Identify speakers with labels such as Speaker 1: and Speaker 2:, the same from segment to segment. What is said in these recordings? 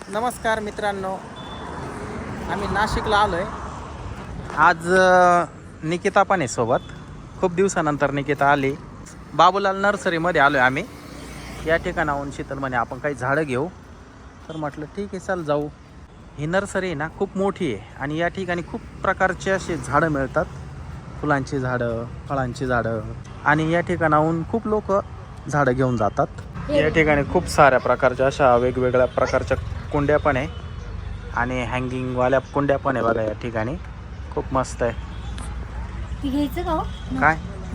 Speaker 1: नमस्कार मित्रांनो, आम्ही नाशिकला आलो आहे. आज निकिता पण आहे सोबत. खूप दिवसानंतर निकिता आली. बाबूलाल नर्सरीमध्ये आलो आहे आम्ही. या ठिकाणाहून शीतल म्हणे आपण काही झाडं घेऊ, तर म्हटलं ठीक आहे चल जाऊ. ही नर्सरी ना खूप मोठी आहे आणि या ठिकाणी खूप प्रकारचे असे झाडं मिळतात. फुलांची झाडं, फळांची झाडं, आणि या ठिकाणाहून खूप लोक झाडं घेऊन जातात. या ठिकाणी खूप साऱ्या प्रकारच्या अशा वेगवेगळ्या प्रकारच्या कुंड्या पण आहे आणि हँगिंगवाल्या कुंड्या पण आहे बघा. या ठिकाणी खूप मस्त आहे.
Speaker 2: घ्यायचं का हो?
Speaker 1: काय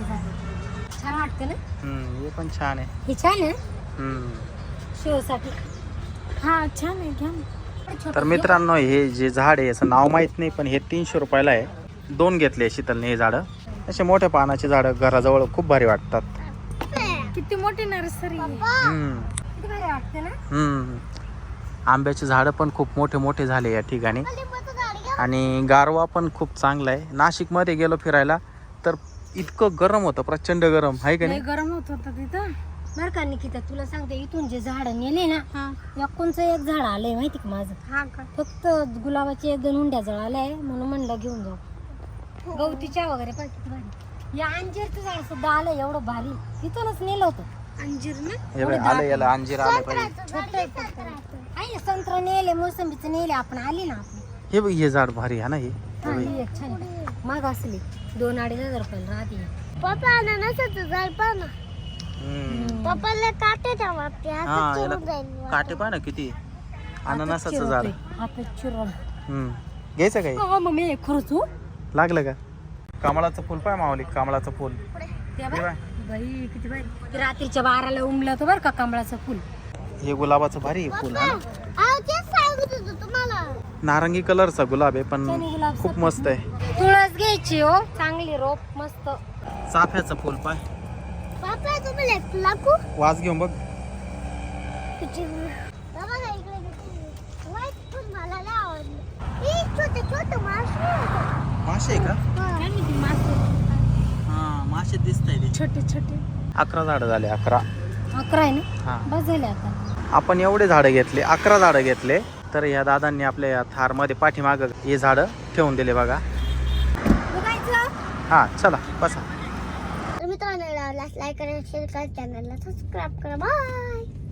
Speaker 2: छान वाटतं ना.
Speaker 1: हे पण छान आहे.
Speaker 2: हे छान आहे
Speaker 1: हम्म.
Speaker 2: शोसाठी. हा छान आहे, घ्या ना.
Speaker 1: तर मित्रांनो, हे जे झाड आहे याचं नाव माहीत नाही, पण हे 300 रुपयाला आहे. 2 घेतले शीतलने हे झाडं. असे मोठ्या पानाची झाडं घराजवळ खूप भारी वाटतात.
Speaker 2: किती मोठी नर्सरी आहे. किती भारी वाटते ना.
Speaker 1: आंब्याची झाडं पण खूप मोठे मोठे झाले या ठिकाणी आणि गारवा पण खूप चांगला आहे. नाशिकमध्ये गेलो फिरायला तर इतकं गरम होतं, प्रचंड गरम आहे का
Speaker 2: लय
Speaker 1: नाही.
Speaker 2: गरम होत होतं तिथं. बरं का निकिता, तुला सांगते, इथून जे झाड नेले ना, कोणचं एक झाड आलंय माहिती का माझं. फक्त गुलाबाचे 1-2 हुंड्या जळाल्या, म्हणून म्हणलं घेऊन जाऊ. गवतीच्या वगैरे पण किती भारी. या अंजीरचं झाड सुद्धा आलंय एवढं भारी. तिथूनच नेलं होतं अंजीर ना.
Speaker 1: हे बघ, आले याला अंजीर आले पाहिजे.
Speaker 2: छोटं आहे, संत्र नेले, मोसंबीचं नेले, आपण आली ना आपण.
Speaker 1: हे बघ, हे झाड भारी आहे ना. हे
Speaker 2: ही एक छान माग असली 2-2.5 रुपयाला राहते. पप्पा अननसाचं झाड पाहा ना. पप्पाला काटे ठेवते,
Speaker 1: हा, याला काटे पाहा ना किती. अननसाचं झाड
Speaker 2: हातात चिरळ.
Speaker 1: घ्यायचं काय.
Speaker 2: मम्मी खरंच हो
Speaker 1: लागलं का. कमळाचं फुल पाय मावली, कमळाचं फुल.
Speaker 2: बाई किती भारी. ते रात्रीच्या 12ला उमलं होतं बरं का कमळाचं फुल.
Speaker 1: हे गुलाबाचं भारी आहे फुल.
Speaker 2: तुम्हाला
Speaker 1: नारंगी कलरचा गुलाब आहे पण
Speaker 2: त्याने गुलाब
Speaker 1: खूप मस्त आहे.
Speaker 2: तुळस घ्यायची हो, चांगली रोप मस्त.
Speaker 1: चाफ्याचं फुल पाय.
Speaker 2: पापा तुम्ही लाकू
Speaker 1: वास घेऊन बघ. मासे आहे का. हा, मासे दिसत आहे.
Speaker 2: छोटे छोटे
Speaker 1: 11 झाडं झाले. 11
Speaker 2: आहे ना.
Speaker 1: हा,
Speaker 2: बस झाले आता.
Speaker 1: आपण एवढे झाडं घेतले, 11 झाडं घेतले. तर या दादांनी आपल्या या थारमध्ये पाठीमागं हे झाडं ठेवून दिले बघा. हा, चला बसा.
Speaker 2: मित्रांनो, लाईक करा, शेअर करा, चॅनलला सबस्क्राईब करा. बाय.